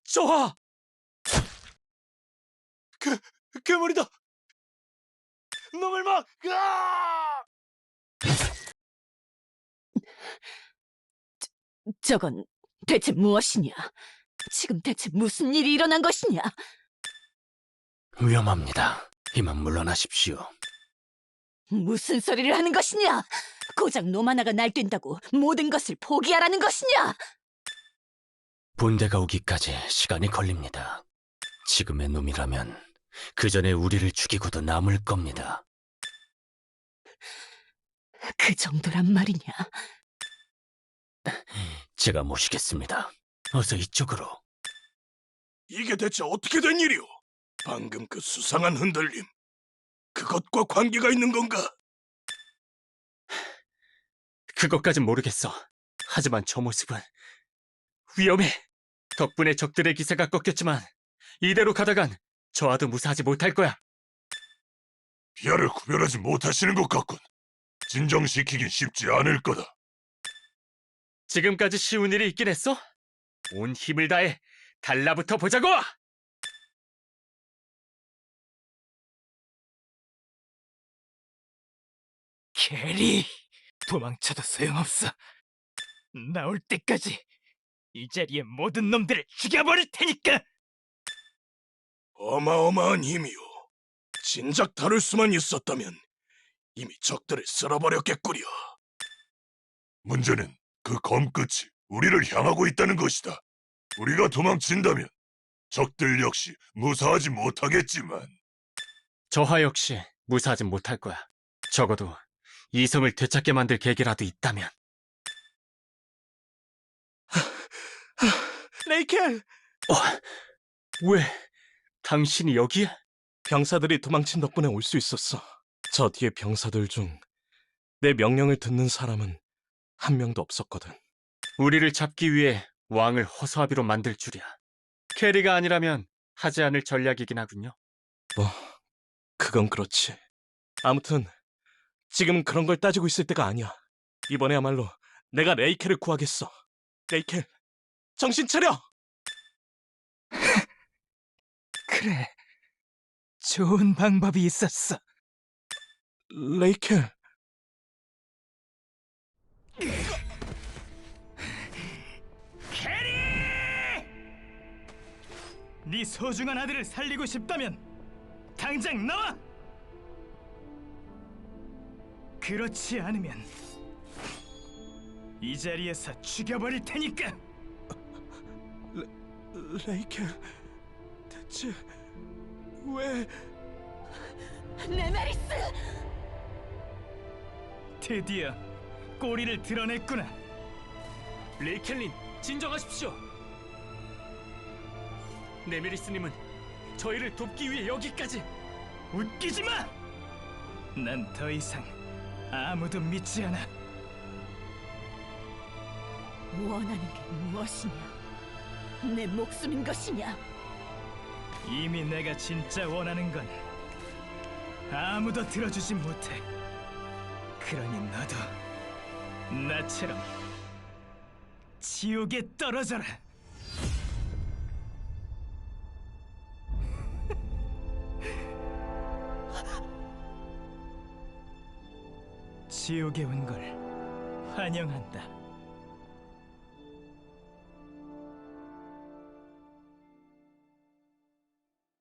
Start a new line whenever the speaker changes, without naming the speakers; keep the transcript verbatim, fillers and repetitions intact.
저하! 그, 괴물이다! 놈을 막! 으아!
저건 대체 무엇이냐? 지금 대체 무슨 일이 일어난 것이냐?
위험합니다. 이만 물러나십시오.
무슨 소리를 하는 것이냐? 고작 놈 하나가 날뛴다고 모든 것을 포기하라는 것이냐?
본대가 오기까지 시간이 걸립니다. 지금의 놈이라면 그 전에 우리를 죽이고도 남을 겁니다.
그 정도란 말이냐?
제가 모시겠습니다. 어서 이쪽으로.
이게 대체 어떻게 된 일이오? 방금 그 수상한 흔들림, 그것과 관계가 있는 건가?
그것까진 모르겠어. 하지만 저 모습은 위험해. 덕분에 적들의 기세가 꺾였지만 이대로 가다간 저하도 무사하지 못할 거야.
비아를 구별하지 못하시는 것 같군. 진정시키긴 쉽지 않을 거다.
지금까지 쉬운 일이 있긴 했어? 온 힘을 다해 달라붙어 보자고!
캐리, 도망쳐도 소용없어. 나올 때까지 이 자리의 모든 놈들을 죽여버릴 테니까.
어마어마한 힘이오. 진작 다룰 수만 있었다면 이미 적들을 쓸어버렸겠구려. 문제는 그 검끝이 우리를 향하고 있다는 것이다. 우리가 도망친다면 적들 역시 무사하지 못하겠지만
저하 역시 무사하진 못할 거야. 적어도 이성을 되찾게 만들 계기라도 있다면.
레이켈!
어, 왜 당신이 여기에?
병사들이 도망친 덕분에 올 수 있었어. 저 뒤에 병사들 중 내 명령을 듣는 사람은 한 명도 없었거든.
우리를 잡기 위해 왕을 허수아비로 만들 줄이야. 캐리가 아니라면 하지 않을 전략이긴 하군요.
뭐, 그건 그렇지. 아무튼 지금은 그런 걸 따지고 있을 때가 아니야. 이번에야말로 내가 레이켈을 구하겠어. 레이켈, 정신 차려!
그래, 좋은 방법이 있었어.
레이켈,
캐리! 네 소중한 아들을 살리고 싶다면 당장 나와! 그렇지 않으면 이 자리에서 죽여버릴 테니까.
레이켈, 대체 왜...
네메리스!
드디어 꼬리를 드러냈구나.
레이켈린, 진정하십시오. 네메리스님은 저희를 돕기 위해 여기까지.
웃기지 마! 난 더 이상 아무도 믿지 않아.
원하는 게 무엇이냐? 내 목숨인 것이냐?
이미 내가 진짜 원하는 건 아무도 들어주지 못해. 그러니 너도 나처럼 지옥에 떨어져라. 지옥에 온 걸 환영한다.